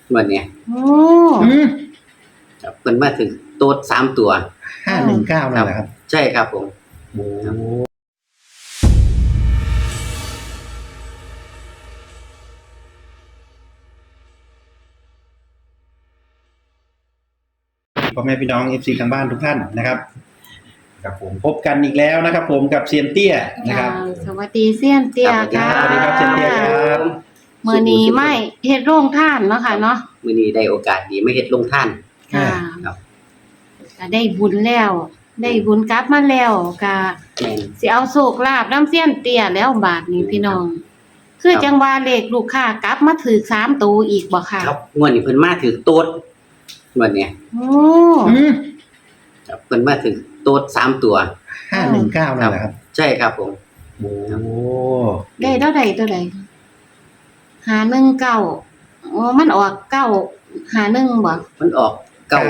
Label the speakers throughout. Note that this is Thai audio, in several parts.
Speaker 1: วันเนี้ย
Speaker 2: โอ้
Speaker 1: ครับเพิ่นมาถึงโต๊ด3ตัว
Speaker 3: 519นั่นแหละครับ
Speaker 1: ใช่ครับผม
Speaker 3: โอ้พ่อแม่พี่น้อง FC ทางบ้านทุกท่านนะครับกับผมพบกันอีกแล้วนะครับผมกับเซียนเตี้ยนะครับ
Speaker 2: สวัสดีเซียนเตี้ยค่ะ
Speaker 3: สวัสดีครับเซียนเตี้ยครับ
Speaker 2: มื้อนี้ไม่เฮ็ดโรงทานเนาะค่ะเนาะ
Speaker 1: มื้อนี้ได้โอกาสดีมาเฮ็ดโรงทาน
Speaker 2: ค่ะ
Speaker 1: ครับ
Speaker 2: ก็ได้บุญแล้วได้บุญกลับมาแล้วก็สิเอาโชคลาภนำเซียนเตี้ยแล้วบาดนี้พี่น้องคือจังว่าเลขลูกค้ากลับมาถูก3ตัวอีกบ่ค่ะ
Speaker 1: ครับงวดนี้เพิ่นมาถึงโต๊ดวันเนี้ย
Speaker 2: โอ้
Speaker 1: ครับเพิ่นมาถึงโต๊ด3ตัว
Speaker 3: 519นั่นแหละครับ
Speaker 1: ใช่ครับผม
Speaker 3: โอ้
Speaker 2: ได้เท่าใด519อ๋อมันออก951บ่
Speaker 1: มันออก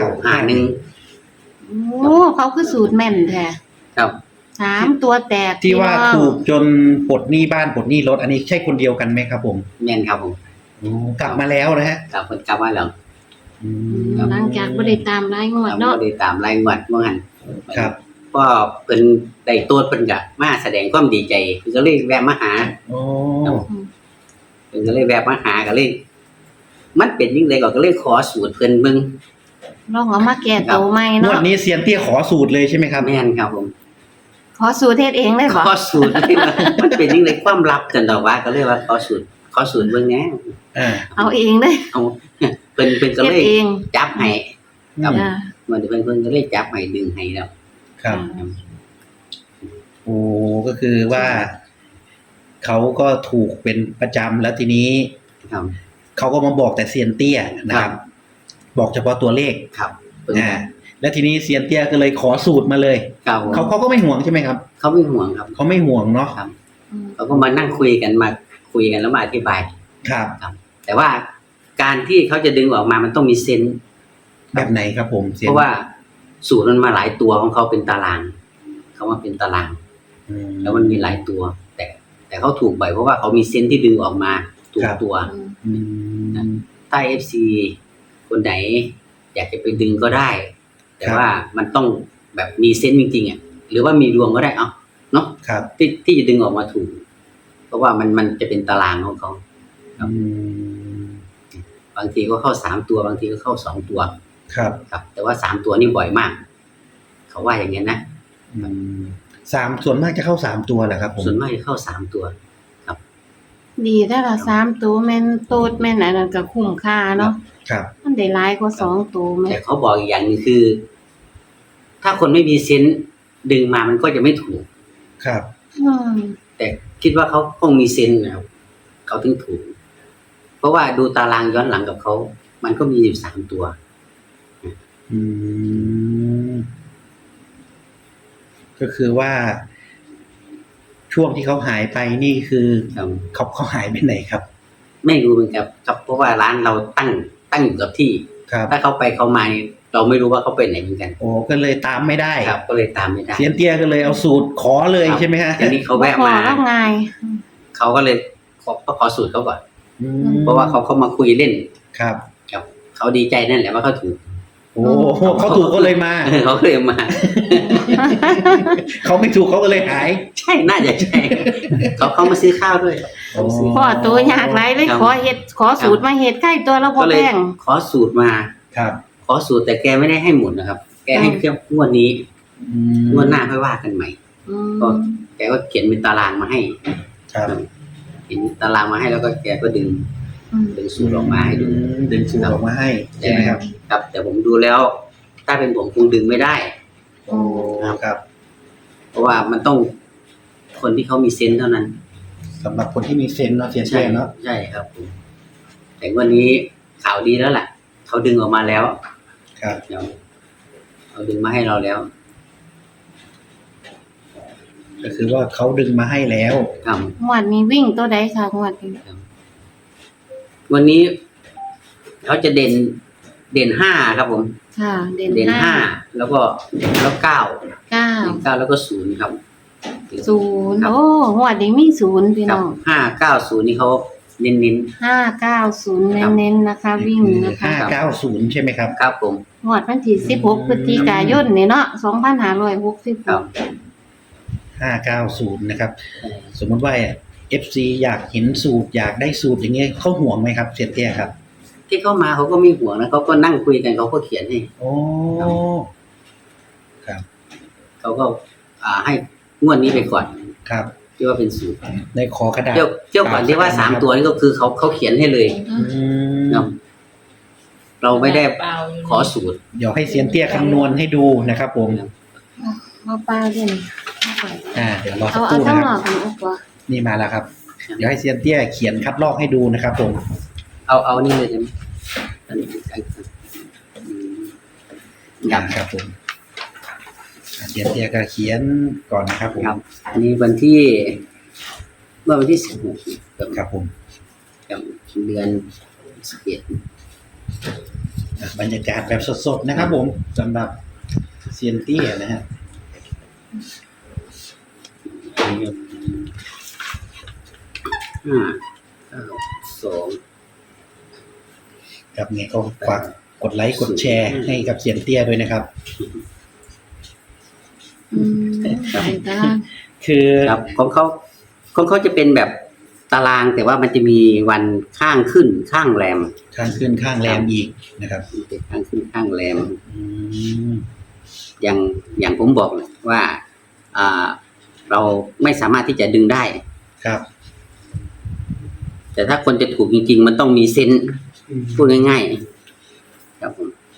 Speaker 1: 951
Speaker 2: โอ้เขาคือสูตรแม่นแท้
Speaker 1: ครับ
Speaker 2: 3ตัวแตก
Speaker 3: ที่ว่าถูกจนปลดหนี้บ้านปลดหนี้รถอันนี้ใช่คนเดียวกันไหมครับผม
Speaker 1: แม่นครับผม
Speaker 3: กลับมาแล้วนะฮะ
Speaker 1: เพิ่นกลับมาแล้ว
Speaker 2: หลังจากบ่ได้ตามรายงวดเนาะ
Speaker 1: บ่ได้ตามรายงวดเมื่อหั่น
Speaker 3: ครับ
Speaker 1: ก็เพิ่นได้โต๊ดเพิ่นก็มาแสดงความดีใจเพิ่นก็เลยแวะมาหา
Speaker 3: โอ้
Speaker 1: เพิ่นก็เลยแวะมาหาก็เลยมันเป็นจังได๋ก็เลยขอสูตรเพิ่นเบิ่ง
Speaker 2: ลองเอามาแก้ตัวใหม่เนาะ
Speaker 3: งวดนี้เซียนเตี้ยขอสูตรเลยใช่ไหมครับ
Speaker 1: แม่นครับผม
Speaker 2: ขอสูตรเฮ็ดเองเลยบ่
Speaker 1: ขอสูตรเลยมันเป็นจังได๋ความลับจังดอกว่าก็เลยว่าขอสูตรเบิ่งแหน่
Speaker 2: เอาเองเลย
Speaker 1: เอาเพิ่นก็เลยจับให้ครับมันเพิ่นก็เลยจับให้ดึงให้แล้ว
Speaker 3: ครับโอ้ก็คือว่าเขาก็ถูกเป็นประจำแล้วทีนี้เขาก็มาบอกแต่เซียนเตี้ยนะครับบอกเฉพาะตัวเลข
Speaker 1: ครับ
Speaker 3: แล้วทีนี้เซียนเตี้ยก็เลยขอสูตรมาเลยเขาก็ไม่ห่วงใช่ไหมครับ
Speaker 1: เขาไม่ห่วงครับ
Speaker 3: เขาไม่ห่วงเนาะ
Speaker 1: เขาก็มานั่งคุยกันแล้วมาอธิบาย
Speaker 3: ครับ
Speaker 1: แต่ว่าการที่เขาจะดึงออกมามันต้องมีเซนส์
Speaker 3: แบบไหนครับผม
Speaker 1: เพราะว่าสูตรมันมาหลายตัวของเขาเป็นตารางเขามาเป็นตารางแล้วมันมีหลายตัวแต่เขาถูกบ่อยเพราะว่าเขามีเซนส์ที่ดึงออกมาถูกตัวถ้า FC คนไหนอยากจะไปดึงก็ได้แต่ว่ามันต้องแบบมีเซนส์จริงๆอ่ะหรือว่ามีดวงก็ได้เนาะที่จะดึงออกมาถูกเพราะว่ามันจะเป็นตารางของเขาบางทีก็เข้า3ตัวบางทีก็เข้า2ตัว
Speaker 3: ครับ
Speaker 1: แต่ว่า3ตัวนี่บ่อยมากเขาว่าอย่างงี้นะ
Speaker 3: ส่วนมากจะเข้า3ตัวแหละครับผม
Speaker 1: ส่วนมากจะเข้า3ตัวครับ
Speaker 2: ดีถ้าละ3ตัวแม่นโตดแม่นอันนั้นก็คุ้มค่าเนาะ
Speaker 3: ครับ
Speaker 2: มันได้หลายกว่า2ตัวแม่
Speaker 1: แต่เขาบอกอีกอย่างนึงคือ ถ้าคนไม่มีเซนส์ดึงมามันก็จะไม่ถูก
Speaker 3: ครับ
Speaker 1: แต่คิดว่าเขาคงมีเซนส์นะครับเขาถึงถูกเพราะว่าดูตารางย้อนหลังกับเขามันก็มีอยู่3ตัว
Speaker 3: ก็คือว่าช่วงที่เขาหายไปนี่คือเขาหายไปไหนครับ
Speaker 1: ไม่รู้เหมือนกันครับเพราะว่าร้านเราตั้งอยู่กับที่ถ้าเขาไปเขามาเราไม่รู้ว่าเขาไปไหนเหมือนกัน
Speaker 3: โอ้ก็เลยตามไม่ได้
Speaker 1: ครับก็เลยตามไม่ได้
Speaker 3: เซียนเตี้ยก็เลยเอาสูตรขอเลยใช่ไหมฮะ
Speaker 1: ทีนี้เขาแวะมาเขาก็เลยขอสูตรเขาก่อนเพราะว่าเขามาคุยเล่น
Speaker 3: ครับ
Speaker 1: เขาดีใจนั่นแหละว่าเขาถูก
Speaker 3: โอ้เขาถูกก็เลยมา
Speaker 1: เขาเลยมา
Speaker 3: เขาไม่ถูกเขาก็เลยหาย
Speaker 1: ใช่น่าจะใช่เขามาซื้อข้าวด้วย
Speaker 2: พ่อตัวยากไรเลยขอสูตรมาเฮ็ดใกล้ตัวแล้วพอแป้ง
Speaker 1: ขอสูตรมา
Speaker 3: ครับ
Speaker 1: ขอสูตรแต่แกไม่ได้ให้หมดนะครับแกให้แค่งวดนี้งวดหน้าค่อยว่ากันใหม่ก็แกก็เขียนเป็นตารางมาให้
Speaker 3: ครับ
Speaker 1: เขียนตารางมาให้แล้วก็แกก็ดึงสูตรออกมาให้ดู
Speaker 3: ดึงสูตรออกมาให้ใช่ไหมครับ
Speaker 1: ครับแต่ผมดูแล้วถ้าเป็นผมคงดึงไม่ได้
Speaker 3: ครับ
Speaker 1: เพราะว่ามันต้องคนที่เขามีเซนส์เท่านั้น
Speaker 3: สำหรับคนที่มีเซนส์เนาะเซียนเตี้ยเนาะ
Speaker 1: ใช่ครับแต่วันนี้ข่าวดีแล้วแหละเขาดึงออกมาแล้ว
Speaker 3: ครับ
Speaker 1: เขาดึงมาให้เราแล้ว
Speaker 3: ก็คือว่าเขาดึงมาให้แล้ว
Speaker 2: งวดนี้วิ่งตัวใดคะงวดนี้
Speaker 1: วันนี้เขาจะเด่น5ครับผม
Speaker 2: ค่ะเด่น
Speaker 1: 5แล้ว9แล้วก็0ครับ
Speaker 2: 0โอ้งวดนี้มี0พี่น้อง
Speaker 1: 590นี่เขาเน้น
Speaker 2: 590เน้นๆนะคะ วิ่งนะคะ
Speaker 3: 590ใช่ไหมครับ
Speaker 1: ๆครับผม
Speaker 2: งวดวันที่16พฤศจิกายนนี่เนาะ
Speaker 1: ครับ
Speaker 2: 2566
Speaker 3: 590นะครับ สมมุติว่า FC อยากเห็นสูตรอยากได้สูตรอย่างเงี้ยเขาห่วงไหมครับเสียเตี้ยครับ
Speaker 1: ที่เข้ามาเขาก็ไม่ห่วงนะเขาก็นั่งคุยกันเขาก็เขียนให้
Speaker 3: โอ้ครับ
Speaker 1: เขาก็ให้งวดนี้ไปก่อน
Speaker 3: ครับ
Speaker 1: ที่ว่าเป็นสูตร
Speaker 3: ในขอกระดาษ
Speaker 1: เที่ยวก่อนที่ว่า3ตัวนี่ก็คือเขาเขียนให้เลย
Speaker 3: อืม
Speaker 1: เนาะเราไม่ได้ขอสูตร
Speaker 3: เดี๋ยวให้เซียนเตี้ยคำนวณให้ดูนะครับผม
Speaker 2: เอาปลาด้วยนี่
Speaker 3: เดี๋ยวรอสั
Speaker 2: เอา
Speaker 3: กครู่
Speaker 2: ทั้
Speaker 3: นะ
Speaker 2: ง
Speaker 3: ค
Speaker 2: หล
Speaker 3: รั
Speaker 2: อบ กกันเอากว่า
Speaker 3: นี่มาแล้วครับ เดี๋ยวให้เซียนเตี้ยเขียนคัดลอกให้ดูนะครับผม
Speaker 1: เอานี่เลยใช่ไหมอันนี้ครับ
Speaker 3: ครับผมเซียนเตี้ยก็เขียนก่อนนะครับผม
Speaker 1: ครับอันนี้วันที่16
Speaker 3: ครับผม
Speaker 1: กับเดือน11
Speaker 3: บรรยากาศแบบสดๆนะครับผมสำหรับเซียนเตี้ยนะฮะ
Speaker 1: 5 9 2
Speaker 3: ครับไงก็ฝากกดไลค์กดแชร์ให้กับเซียนเตี้ยด้วยนะครับ
Speaker 2: ใส่ตาราง
Speaker 3: คือ
Speaker 1: ครับของเขาจะเป็นแบบตารางแต่ว่ามันจะมีวันข้างขึ้นข้างแรม
Speaker 3: ข้างขึ้นข้างแรมอีกนะครับ
Speaker 1: เป็นข้างขึ้นข้างแรม
Speaker 3: อืม
Speaker 1: อย่างผมบอกเลยว่าเราไม่สามารถที่จะดึงได้
Speaker 3: ครับ
Speaker 1: แต่ถ้าคนจะถูกจริงๆ มันต้องมีเซนส์พูดง่ายๆครับผม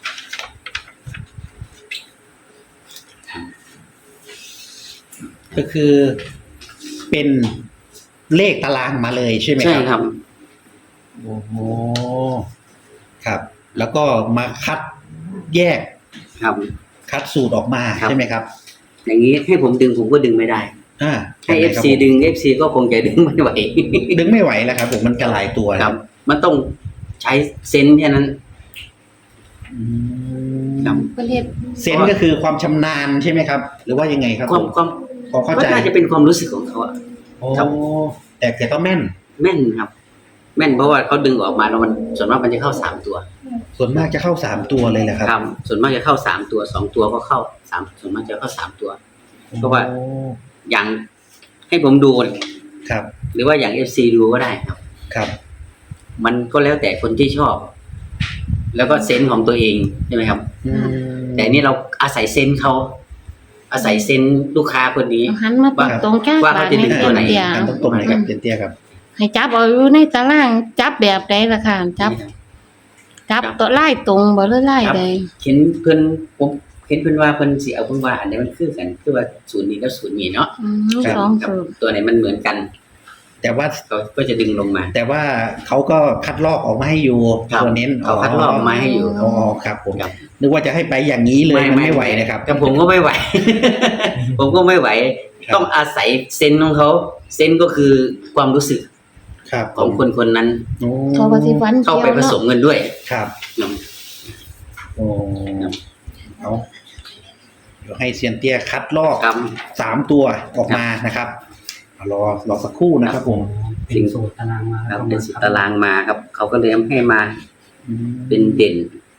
Speaker 3: ก็คือเป็นเลขตารางมาเลยใช่ไหม
Speaker 1: ใช่
Speaker 3: ครับ
Speaker 1: ครับ
Speaker 3: โอ้โหครับ แล้วก็มาคัดแยก
Speaker 1: ครับ
Speaker 3: คัดสูตรออกมา
Speaker 1: ครับ
Speaker 3: ใช่ไหมครับ
Speaker 1: อย่างนี้ให้ผมดึงผมก็ดึงไม่ได้ ให้
Speaker 3: ยังไงครับ
Speaker 1: FC ดึง FC ก็คงจะดึงไม่ไหว
Speaker 3: ดึงไม่ไหวแล้วครับผมมันกระหลายตัว
Speaker 1: ครับ มันต้องใช้เซนส์แค่นั้น
Speaker 3: อืม
Speaker 1: ครับ
Speaker 2: ประเทศ
Speaker 3: เซนส์ก็คือความชำนาญใช่ไหมครับ หรือว่ายังไงครับ
Speaker 1: ความ
Speaker 3: พอเข้า
Speaker 1: ก็
Speaker 3: ใจ
Speaker 1: น่าจะเป็นความรู้สึกของเขาอะ
Speaker 3: โอ้
Speaker 1: ครับ
Speaker 3: แต่ต้องแม่น
Speaker 1: แม่นครับ แม่นเพราะว่าเขาดึงออกมาแล้วมันส่วนมากมันจะเข้า3ตัว
Speaker 3: ส่วนมากจะเข้า3ตัวเลยแหละครับ
Speaker 1: ครับส่วนมากจะเข้า3ตัว2ตัวก็เข้า3ส่วนมากจะเข้า3ตัว เพราะว่า
Speaker 3: โอ้
Speaker 1: อย่างให้ผมดู
Speaker 3: ครับ
Speaker 1: หรือว่าอย่าง FC ดูก็ได้ครับ
Speaker 3: ครับ
Speaker 1: มันก็แล้วแต่คนที่ชอบ แล้วก็เซนส์ของตัวเองใช่ไหมครับ
Speaker 3: อืม
Speaker 1: แต่นี่เราอาศัยเซนส์เขาอาศัยเซนส์ลูกค้าคนนี้
Speaker 2: เอาหันมาตรงๆแก้
Speaker 1: ว่าเขาจะดึงตัวไหน
Speaker 2: เตีย
Speaker 3: ตรงๆเลยครับเซียนเตี้ยครับ
Speaker 2: ให้จับเอาอยู่ในตารางจับแบบใดล่ะค่ะจับตัวไล่ตรงบ่หรือไล่ใด
Speaker 1: เห็นเพิ่นผมเห็นเพิ่นว่าเพิ่นสิเอาเพิ่นว่าอันไหนมันคือกันคือว่าศูนย์นี้กับศูนย์นี้เนาะ
Speaker 2: สอง
Speaker 1: กับ
Speaker 2: สูตร
Speaker 1: ตัวไหนมันเหมือนกัน
Speaker 3: แต่ว่า
Speaker 1: เขาก็จะดึงลงมา
Speaker 3: แต่ว่าเขาก็คัดลอกออกมาให้อยู่
Speaker 1: ครับ
Speaker 3: ตัวเน้น
Speaker 1: เขาคัดลอกมาให้อยู่
Speaker 3: อ๋อครับผม
Speaker 1: ครับ
Speaker 3: นึกว่าจะให้ไปอย่างนี้เลยมันไม่ไหวนะครับ
Speaker 1: แต่ผมก็ไม่ไหว ผมก็ไม่ไหว
Speaker 3: ครับ
Speaker 1: ต้องอาศัยเซนส์ของเขาเซนส์ก็คือความรู้สึก
Speaker 3: ครับ
Speaker 1: ของคนคนนั้น
Speaker 3: โอ้
Speaker 2: เขาก็สิฟัน
Speaker 1: เข้า
Speaker 2: เกี่ยว
Speaker 1: ไปผสม
Speaker 2: เนาะ
Speaker 1: กันด้วย
Speaker 3: ครับ
Speaker 1: เนาะ
Speaker 3: โอ้เอาเดี๋ยวให้เซียนเตี้ยคัดลอก
Speaker 1: ครับ
Speaker 3: 3ตัวออกมานะครับรอสักครู่นะครับผม
Speaker 1: เป็นสูตรตารางมาครับเป็นสูตรตารางมาครับ เขาก็เลยให้มา
Speaker 3: อืม
Speaker 1: เป็นเด่น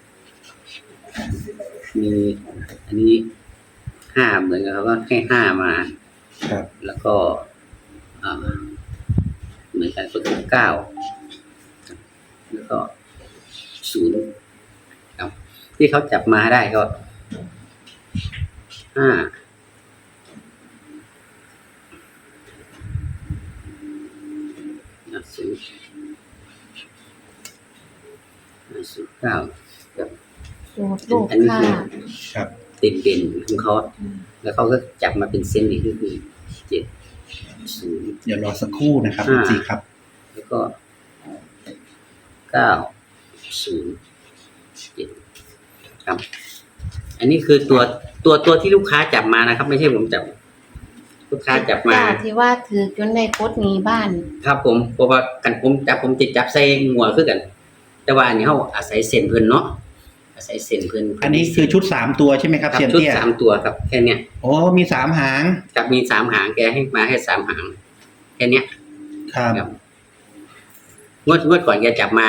Speaker 1: มีอันนี้5เหมือนกันเขาก็ให้5มา
Speaker 3: ครับ
Speaker 1: แล้วก็เหมือนกันก็คือ9แล้วก็0ครับ ที่เขาจับมาได้ก็5 0 9ครับ
Speaker 2: สูตรลูกค่ะ
Speaker 3: ครับ
Speaker 1: ติดเด่นของเขาแล้วเขาก็จับมาเป็นเส้นอีกก็คือ7
Speaker 3: เดี๋ยวรอสักครู่นะครับ
Speaker 1: อ่า
Speaker 3: สิครับ
Speaker 1: 0แล้วก็9 0 7ครับ อันนี้คือตัวที่ลูกค้าจับมานะครับ ไม่ใช่ผมจับ ลูกค้าจับมา
Speaker 2: จ้ที่ว่าถือจนได้กดหนี้บ้าน
Speaker 1: ครับผมเพราะว่ากันผมติดจับใส่หัวคือกัน แต่ว่าอันนี้เขาอาศัยเส้นเพิ่นเนาะอาศัยเส้นเพิ่น
Speaker 3: อันนี้คือชุด3ตัวใช่ไหมครับ
Speaker 1: ครับ
Speaker 3: เซียน
Speaker 1: ชุด
Speaker 3: เตี้ย
Speaker 1: 3ตัวครับแค่เนี้ย
Speaker 3: โอ้มี3หาง
Speaker 1: กับมี3หางแกให้มาให้3หางแค่เนี้ย
Speaker 3: ครับ
Speaker 1: ครับงวดก่อนแกจับมา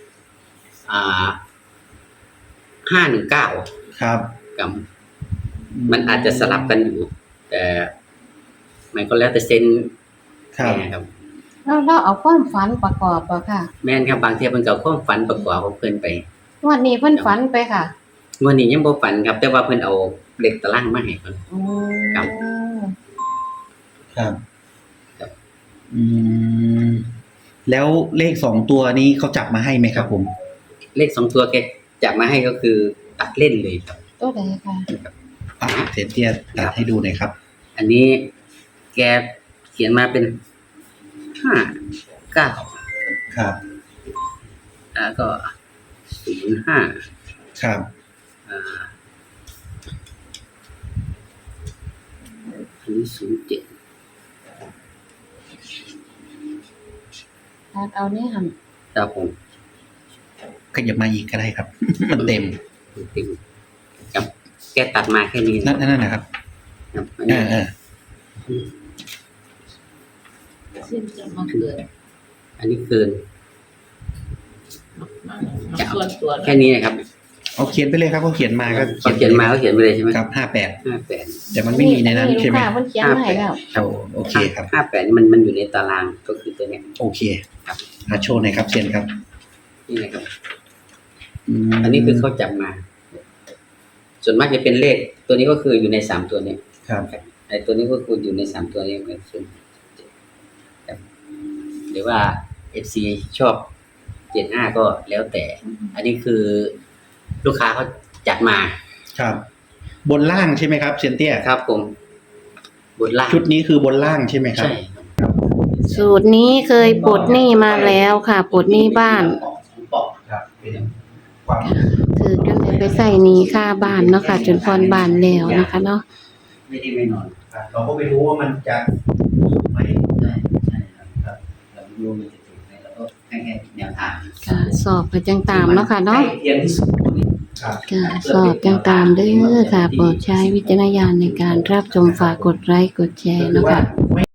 Speaker 1: 519
Speaker 3: ครับ
Speaker 1: กับมันอาจจะสลับกันอยู่ แต่มันก็แล้วแต่เซน
Speaker 3: ครับ
Speaker 1: แม่ครับ
Speaker 2: แล้วเราเอาความฝันประกอบบ่ค่ะ
Speaker 1: แม่นครับบางเทีมันก็เอาความฝันประกอบของเพิ่นไป
Speaker 2: งวดนี้เพิ่นฝันไปค่ะ
Speaker 1: งวดนี้ยังบ่ฝันครับ แต่ว่าเพิ่นเอาเลขตารางมาให้เพิ่น
Speaker 2: อืม
Speaker 1: ครับ
Speaker 3: ครับ
Speaker 1: ครับ
Speaker 3: อืมแล้วเลข2ตัวนี้เขาจับมาให้ไหมครับผม
Speaker 1: เลข2ตัวแกจับมาให้ก็คือตัดเล่นเลยครับ
Speaker 2: ตัวใดค่ะ
Speaker 3: เซนเตี้ยตัดให้ดูหน่อยครับ
Speaker 1: อันนี้แกเขียนมาเป็น59
Speaker 3: ครับ
Speaker 1: แล้วก็05
Speaker 3: ครับ
Speaker 1: อันนี้07
Speaker 2: เอานี่หั่น
Speaker 1: ครับผม
Speaker 3: ขยับมาอีกก็ได้ครับ มันเต็ม
Speaker 1: ติดครับแกตัดมาแค่นี้
Speaker 3: นั่นนะครับ
Speaker 1: ครับอันนี้
Speaker 4: สิ้นจะมาเกิด
Speaker 1: อันนี้เกิน
Speaker 4: มาส่วนตัว
Speaker 1: แค่นี้นะครับ
Speaker 3: เอาเขียนไปเลยครับเขาเขียนมาก็
Speaker 1: เขาเขียนมาเขาเขียนไปเลยใช่ไหม
Speaker 3: ครับ58
Speaker 1: 58
Speaker 3: แต่มันไม่มีในนั้นใช่ไหม
Speaker 2: ลูกค้าเพิ่นเขียนมาให้แล้ว
Speaker 3: โอเคครับ
Speaker 1: 58นี่มันอยู่ในตารางก็คือตัวเนี้ย
Speaker 3: โอเค
Speaker 1: ครับ
Speaker 3: โชว์หน่อยครับเซียนครับ
Speaker 1: นี่นะครับ
Speaker 3: ม
Speaker 1: อันนี้คือเขาจับมา ส่วนมากจะเป็นเลข ตัวนี้ก็คืออยู่ใน3ตัวเนี้ย
Speaker 3: ครับ
Speaker 1: ไอ้ตัวนี้ก็คืออยู่ใน3ตัวนี้เป็นส่วนครับหรือว่า FC ชอบ75ก็แล้วแต่ อันนี้คือลูกค้าเขาจัดมา
Speaker 3: ครับ บนล่างใช่ไหมครับเซียนเตี้ย
Speaker 1: ครับผมบนล่าง
Speaker 3: ชุดนี้คือบนล่างใช่ไหมครับ
Speaker 1: ใช่
Speaker 2: สูตรนี้เคยปลดหนี้มาแล้วค่ะปลดหนี้บ้าน
Speaker 3: ครับเป็นความ
Speaker 2: คือก็เลยไปใส่หนี้ค่าบ้านเนาะค่ะจนพรบ้านแล้วนะคะเนาะ
Speaker 1: ไม่ได้ไม่นอน
Speaker 3: เราก็ไม่รู้ว่ามันจะถูกไหม
Speaker 1: ใช่ใช่ครับเราไม่รู้มันจะถูกไหมเราก็แค่แนวทาง
Speaker 2: ค่ะสอบไปจังตามเนาะค่ะเนาะ
Speaker 1: ใกล้เคียงที่สุด
Speaker 3: ครับ
Speaker 2: ค่ะสอบจังตามเด้อค่ะโปรดใช้วิจารณญาณในการรับชมฝากกดไลค์กดแชร์เนาะค่ะ